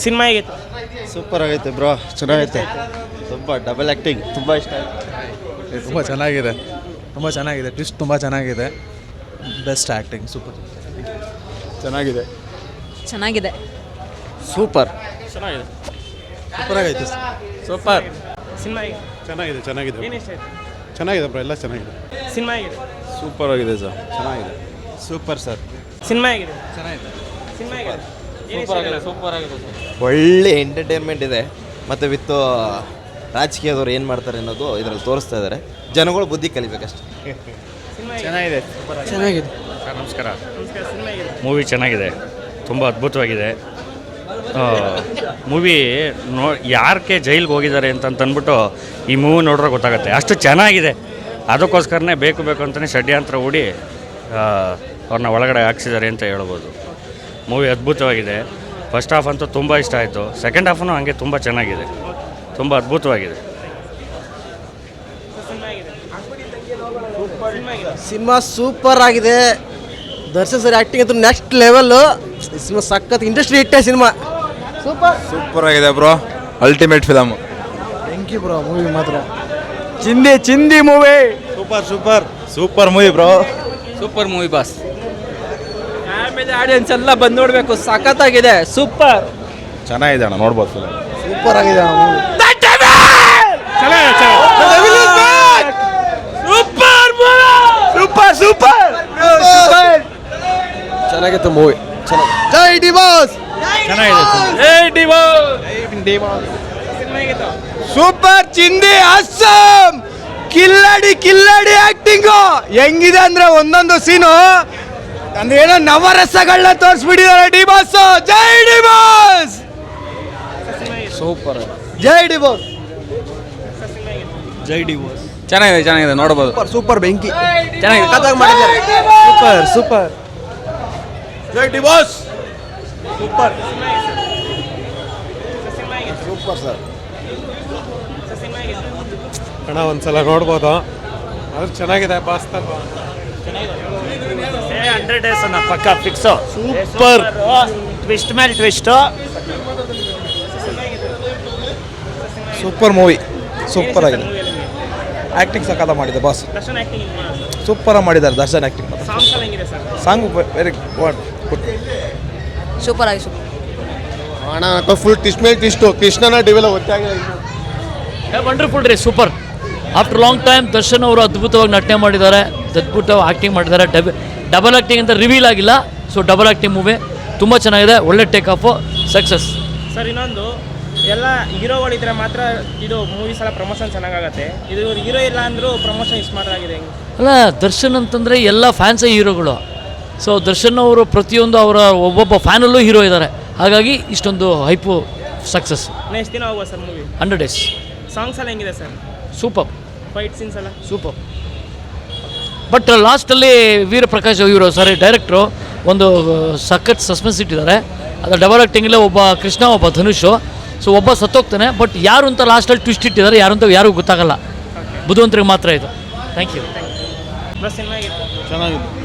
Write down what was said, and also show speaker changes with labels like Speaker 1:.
Speaker 1: Cinema ಹೇಗಿತ್ತು?
Speaker 2: Super ಆಗೈತೆ bro, ಚೆನ್ನಾಗೈತೆ. ತುಂಬ ಡಬಲ್ ಆ್ಯಕ್ಟಿಂಗ್ ತುಂಬ ಇಷ್ಟ ಆಯಿತು.
Speaker 3: ತುಂಬ ಚೆನ್ನಾಗಿದೆ, ತುಂಬ ಚೆನ್ನಾಗಿದೆ. ಟ್ವಿಸ್ಟ್ ತುಂಬ ಚೆನ್ನಾಗಿದೆ. Best acting, super.
Speaker 2: ಚೆನ್ನಾಗಿದೆ.
Speaker 4: ಚೆನ್ನಾಗಿದೆ.
Speaker 2: ಸೂಪರ್.
Speaker 1: ಚೆನ್ನಾಗಿದೆ.
Speaker 3: ಸೂಪರ್ ಆಗೈತೆ.
Speaker 1: ಸೂಪರ್. ಸಿನಿಮಾ ಹೇಗೆ?
Speaker 2: ಚೆನ್ನಾಗಿದೆ, ಚೆನ್ನಾಗಿದೆ.
Speaker 1: ಏನು ಇಷ್ಟ ಆಯ್ತು?
Speaker 2: ಚೆನ್ನಾಗಿದೆ ಬ್ರೋ, ಎಲ್ಲ ಚೆನ್ನಾಗಿದೆ.
Speaker 1: ಸಿನಿಮಾ ಹೇಗಿದೆ?
Speaker 2: ಸೂಪರ್ ಆಗಿದೆ ಸರ್, ಚೆನ್ನಾಗಿದೆ. Super sir.
Speaker 1: ಸಿನಿಮಾ ಹೇಗಿದೆ?
Speaker 3: ಚೆನ್ನಾಗಿದೆ.
Speaker 1: ಸಿನಿಮಾ ಹೇಗಿದೆ?
Speaker 3: ಸೂಪರ್ ಆಗಿದೆ.
Speaker 5: ಒಳ್ಳೆ ಎಂಟರ್ಟೈನ್ಮೆಂಟ್ ಇದೆ. ಮತ್ತು ವಿತ್ ರಾಜಕೀಯದವ್ರು ಏನು ಮಾಡ್ತಾರೆ ಅನ್ನೋದು ಇದರಲ್ಲಿ ತೋರಿಸ್ತಾ ಇದ್ದಾರೆ. ಜನಗಳು ಬುದ್ಧಿ ಕಲಿಬೇಕಷ್ಟೆ.
Speaker 1: ಸಿನಿಮಾ ಹೇಗಿದೆ?
Speaker 2: ಚೆನ್ನಾಗಿದೆ.
Speaker 3: ಚೆನ್ನಾಗಿದೆ.
Speaker 6: ಸರ್ ನಮಸ್ಕಾರ.
Speaker 1: ನಮಸ್ಕಾರ. ಸಿನಿಮಾ ಹೇಗಿದೆ?
Speaker 6: ಮೂವಿ ಚೆನ್ನಾಗಿದೆ, ತುಂಬ ಅದ್ಭುತವಾಗಿದೆ. ಮೂವಿ ಯಾರಕ್ಕೆ ಜೈಲಿಗೆ ಹೋಗಿದ್ದಾರೆ ಅಂತಂದ್ಬಿಟ್ಟು ಈ ಮೂವಿ ನೋಡ್ರೆ ಗೊತ್ತಾಗುತ್ತೆ, ಅಷ್ಟು ಚೆನ್ನಾಗಿದೆ. ಅದಕ್ಕೋಸ್ಕರನೇ ಬೇಕು ಅಂತಲೇ ಷಡ್ಯಂತ್ರ ಹೂಡಿ ಅವ್ರನ್ನ ಒಳಗಡೆ ಹಾಕ್ಸಿದ್ದಾರೆ ಅಂತ ಹೇಳ್ಬೋದು. ಮೂವಿ ಅದ್ಭುತವಾಗಿದೆ. ಫಸ್ಟ್ ಹಾಫ್ ಅಂತೂ ತುಂಬ ಇಷ್ಟ ಆಯಿತು. ಸೆಕೆಂಡ್ ಹಾಫೂ ಹಾಗೆ ತುಂಬ ಚೆನ್ನಾಗಿದೆ, ತುಂಬ ಅದ್ಭುತವಾಗಿದೆ.
Speaker 1: ಸಿನಿಮಾ ಹೇಗಿದೆ? ಸಿನಿಮಾ ಹೇಗಿದೆ?
Speaker 7: ಸಿನಿಮಾ ಸೂಪರ್ ಆಗಿದೆ. ದರ್ಶನ್ ಸರ್ ಆ್ಯಕ್ಟಿಂಗ್ ಅಂತೂ ನೆಕ್ಸ್ಟ್ ಲೆವೆಲ್ಲು. ಸಿನಿಮಾ ಸಖತ್ ಇಂಡಸ್ಟ್ರಿ ಹಿಟ್ಟೆ ಸಿನಿಮಾ. ಸೂಪರ್
Speaker 2: ಸೂಪರ್ ಆಗಿದೆ bro, ultimate film.
Speaker 7: Thank you bro, movie ಮಾತ್ರ
Speaker 2: ಚಿಂದಿ movie. Super movie bro.
Speaker 8: Super movie boss. Family audience ಎಲ್ಲ ಬಂದು ನೋಡಬೇಕು, ಸಖತ್ತಾಗಿದೆ. ಸೂಪರ್.
Speaker 2: ಚೆನ್ನಾಗಿದೆ ಅಣ್ಣ, ನೋಡ್ಬೋದು ಫಿಲಮ್.
Speaker 7: ಸೂಪರ್ ಆಗಿದೆ ಮೂವಿ.
Speaker 2: ಚೆನ್ನಾಗಿತ್ತು ಮೂವಿ.
Speaker 7: ಜೈ ಡಿ ಬಾಸ್.
Speaker 1: ಸಿನಿಮಾ ಹೇಗಿತ್ತು?
Speaker 7: ಸೂಪರ್. ಚಿಂದಿ ಅಸ್ಸಾಂ ಕಿಲ್ಲಡಿ ಆಕ್ಟಿಂಗು ಹೆಂಗಿದೆ ಅಂದ್ರೆ ಒಂದೊಂದು ಸೀನು ಅಂದ್ರೆ ಏನೋ ನವರಸಗಳನ್ನ ತೋರಿಸ್ಬಿಟ್ಟಿದ್ದಾರೆ ಡಿ ಬಾಸ್. ಜೈ ಡಿ ಬಾಸ್.
Speaker 2: ಸೂಪರ್.
Speaker 7: ಜೈ ಡಿ ಬಾಸ್.
Speaker 2: ಜೈ ಡಿ ಬಾಸ್.
Speaker 8: ಚೆನ್ನಾಗಿದೆ ನೋಡಬಹುದು.
Speaker 7: ಸೂಪರ್ ಬೆಂಕಿ
Speaker 8: ಚೆನ್ನಾಗಿದೆ.
Speaker 7: ಸಖತ್ತಾಗಿ ಮಾಡಿದ್ದಾರೆ. ಸೂಪರ್.
Speaker 2: ಜೈ ಡಿ ಬಾಸ್.
Speaker 7: ಸೂಪರ್.
Speaker 1: ಸಿನಿಮಾ ಹೇಗಿದೆ?
Speaker 2: Super sir.
Speaker 1: ಸಿನಿಮಾ ಹೇಗಿದೆ?
Speaker 2: ಅಣ್ಣ ಒಂದ್ಸಲ ನೋಡ್ಬೋದು, ಅದು ಚೆನ್ನಾಗಿದೆ. ಬಾಸ್
Speaker 6: 100 ಡೇಸ್ ಅನ್ನ ಪಕ್ಕ ಫಿಕ್ಸು.
Speaker 2: ಸೂಪರ್.
Speaker 6: ಟ್ವಿಸ್ಟ್ ಮೇಲೆ ಟ್ವಿಸ್ಟು.
Speaker 3: ಸೂಪರ್ ಮೂವಿ, ಸೂಪರ್ ಆಗಿದೆ. ಆ್ಯಕ್ಟಿಂಗ್ ಸಖತ್ತ ಮಾಡಿದೆ ಬಾಸ್.
Speaker 1: ದರ್ಶನ್ ಆ್ಯಕ್ಟಿಂಗ್ ಹೇಗಿದೆ?
Speaker 3: ಸೂಪರ್ ಮಾಡಿದ್ದಾರೆ ದರ್ಶನ್ ಆ್ಯಕ್ಟಿಂಗ್.
Speaker 1: ಸಾಂಗ್ಸ್ ಎಲ್ಲ ಹೆಂಗಿದೆ sir?
Speaker 3: Song very good.
Speaker 4: Super ಆಗಿ ಸೂಪರ್.
Speaker 2: ಅಣ್ಣ ಫುಲ್ ಟ್ವಿಸ್ಟ್ ಮೇಲೆ ಟ್ವಿಸ್ಟು. ಕೃಷ್ಣನ ಡಿವೆಲ್ಲ ಗೊತ್ತಾಗಿಲ್ಲ.
Speaker 9: ವಂಡರ್ಫುಲ್ ರೀ, super. After long time Darshan ಅವರು ಅದ್ಭುತವಾಗಿ ನಟನೆ ಮಾಡಿದ್ದಾರೆ, ಅದ್ಭುತವಾಗಿ ಆ್ಯಕ್ಟಿಂಗ್ ಮಾಡಿದ್ದಾರೆ. ಡಬಲ್ ಆ್ಯಕ್ಟಿಂಗ್ ಅಂತ ರಿವೀಲ್ ಆಗಿಲ್ಲ, ಸೊ ಡಬಲ್ ಆ್ಯಕ್ಟಿಂಗ್ ಮೂವಿ ತುಂಬ ಚೆನ್ನಾಗಿದೆ. ಒಳ್ಳೆ ಟೇಕ್ ಆಫು, ಸಕ್ಸಸ್.
Speaker 1: ಸರ್ ಇನ್ನೊಂದು, ಎಲ್ಲ ಹೀರೋಗಳಿದ್ರೆ ಮಾತ್ರ ಇದು ಮೂವೀಸ್ ಎಲ್ಲ ಪ್ರಮೋಷನ್ ಚೆನ್ನಾಗಾಗತ್ತೆ. ಇದು ಹೀರೋ ಇಲ್ಲ ಅಂದರೂ ಪ್ರಮೋಷನ್ ಸ್ಮಾರ್ಟ್ ಆಗಿದೆ. ಹೆಂಗೆ?
Speaker 9: ಅಲ್ಲ, ದರ್ಶನ್ ಅಂತಂದರೆ ಎಲ್ಲ ಫ್ಯಾನ್ಸೇ ಹೀರೋಗಳು. ಸೊ ದರ್ಶನ್ ಅವರು ಪ್ರತಿಯೊಂದು ಅವರ ಒಬ್ಬೊಬ್ಬ ಫ್ಯಾನಲ್ಲೂ ಹೀರೋ ಇದ್ದಾರೆ. ಹಾಗಾಗಿ ಇಷ್ಟೊಂದು ಹೈಪು ಸಕ್ಸಸ್.
Speaker 1: ಎಷ್ಟು ದಿನ ಹೋಗುವ ಸರ್ ಮೂವಿ?
Speaker 9: 100 ಡೇಸ್.
Speaker 1: ಸಾಂಗ್ಸ್ ಎಲ್ಲ ಹೆಂಗಿದೆ ಸರ್?
Speaker 9: ಸೂಪರ್.
Speaker 1: ಫೈಟ್ ಸೀನ್ಸ್ ಎಲ್ಲ
Speaker 9: ಸೂಪರ್. ಬಟ್ ಲಾಸ್ಟಲ್ಲಿ ವೀರಪ್ರಕಾಶ್ ಇವರು ಡೈರೆಕ್ಟ್ರು ಒಂದು ಸಖತ್ ಸಸ್ಪೆನ್ಸ್ ಇಟ್ಟಿದ್ದಾರೆ. ಅದು ಡಬಲ್ ಆ್ಯಕ್ಟಿಂಗಲ್ಲೇ ಒಬ್ಬ ಕೃಷ್ಣ, ಒಬ್ಬ ಧನುಷು. ಸೊ ಒಬ್ಬ ಸತ್ತೋಗ್ತಾನೆ, ಬಟ್ ಯಾರು ಅಂತ ಲಾಸ್ಟಲ್ಲಿ ಟ್ವಿಸ್ಟ್ ಇಟ್ಟಿದ್ದಾರೆ, ಯಾರು ಅಂತ ಯಾರಿಗೂ ಗೊತ್ತಾಗಲ್ಲ. ಬುದ್ಧಿವಂತರಿಗೆ ಮಾತ್ರ ಇದು. Thank you.
Speaker 1: ಬಸ್ ಸಿನಿಮಾ ಆಗಿತ್ತು.
Speaker 2: ಚೆನ್ನಾಗಿದೆ.